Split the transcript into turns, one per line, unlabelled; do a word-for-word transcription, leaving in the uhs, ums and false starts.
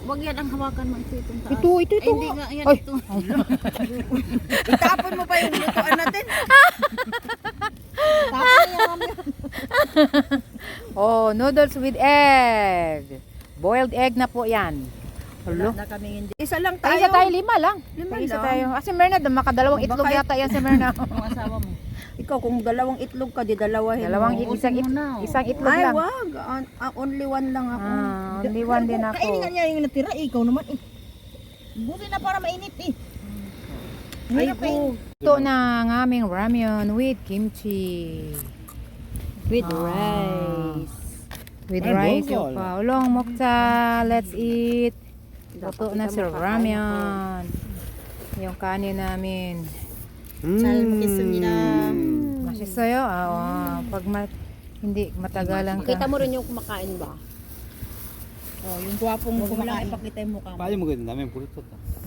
Wag yan ang hawakan mo ito itong taas.
Ito, ito, ito.
Ay, hindi nga yan
Ay.
ito.
Itapon mo pa yung lutuan natin. Tapon niya mami.
Oh, noodles with egg. Boiled egg na po yan.
Wala
Hello?
na kami hindi. Isa lang
Tayo.
tayo.
Isa tayo, lima lang.
Lima
Isa
lang.
tayo. Ah, si Merna, makadalawang
Oh,
itlog
baka-
yata yan si Merna.
Ang asawa mo.
Ikaw kung dalawang itlog ka, di dalawahin
Dalawang
mo.
it- isang, it-
mo na, oh.
isang itlog
Ay,
lang.
wag. Ah, ah, only one lang ako.
Ah, only one din ako.
Kainin nga niya yung natira. Eh, ikaw naman eh. Buti na para mainit eh.
Ay,
Hirap eh.
ito na ang aming ramyun with kimchi.
With
Ah.
rice.
With
Ay,
rice.
bongol.
Yung paulong mokta. Let's eat. Luto na si ramyun. Yung kanin namin.
잘 먹겠습니다.
Masisaya. Ah, pag ma- hindi matagalan ka.
Kita mo rin yung kumakain ba?
Oh, yung gwapong kumakain, pakita yung mukha mo.
빨리 먹어야 된다면 부르쳤다.